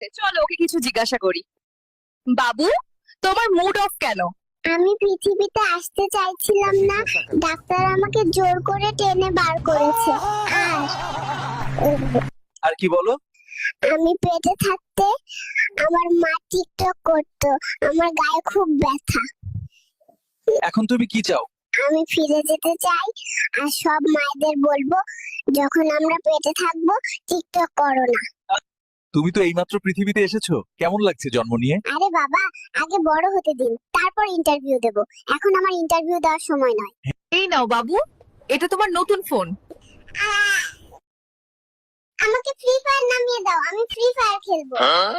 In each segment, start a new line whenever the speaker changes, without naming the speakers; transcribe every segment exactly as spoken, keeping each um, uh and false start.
চলো ওকে কিছু জিজ্ঞাসা করি। বাবু, তোমার মুড অফ কেন?
আমি পৃথিবীতে আসতে চাইছিলাম না, ডাক্তার আমাকে জোর করে টেনে বার করেছে। আর
আর কি বলো?
আমি পেটে থাকতে আমার মা টিকটক করতো, আমার গায়ে খুব ব্যথা।
এখন তুমি কি চাও?
আমি ফিরে যেতে চাই আর সব মায়েদের বলবো, যখন আমরা পেটে থাকবো টিকটক করো না।
তুমি তো এইমাত্র পৃথিবীতে এসেছো, কেমন লাগছে জন্ম নিয়ে?
আরে বাবা, আগে বড় হতে দিন, তারপর ইন্টারভিউ দেব। এখন আমার ইন্টারভিউ দেওয়ার সময় নয়।
এই নাও বাবু, এটা তোমার নতুন ফোন।
আহ! আমাকে ফ্রি ফায়ার নামিয়ে দাও, আমি ফ্রি ফায়ার খেলবো।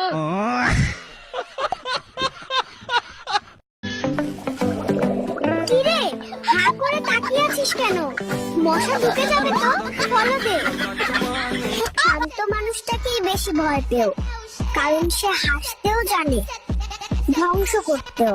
কিরে, হা করে তাকিয়ে আছিস কেন? মশা ঢুকে যাবে তো, ফলো দে। শান্ত মানুষটাকেই বেশি ভয় পেও, কারণ সে হাসতেও জানে, ধ্বংস করতেও।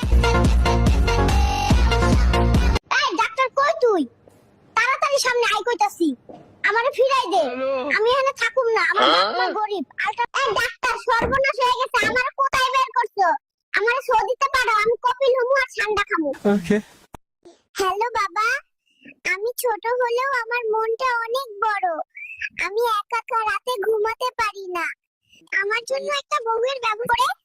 এই ডাক্তার, কই তুই? তাড়াতাড়ি সামনে আই কইতাছি। আমারে ফিরাই দে, আমি এখানে থাকুম না, আমার ডাক্তার গরিব। আলটা এই ডাক্তার, সর্বনাশ হয়ে গেছে, আমারে কোথায় বের করছো? আমারে সৌদিতে পাঠাও, আমি কপিল হমু আর ঠান্ডা খামু।
ওকে।
হ্যালো বাবা, আমি ছোট হলেও আমার মনটা অনেক বড়। আমি একা একা রাতে ঘুমাতে পারি না। আমার জন্য একটা বউয়ের ব্যবস্থা করে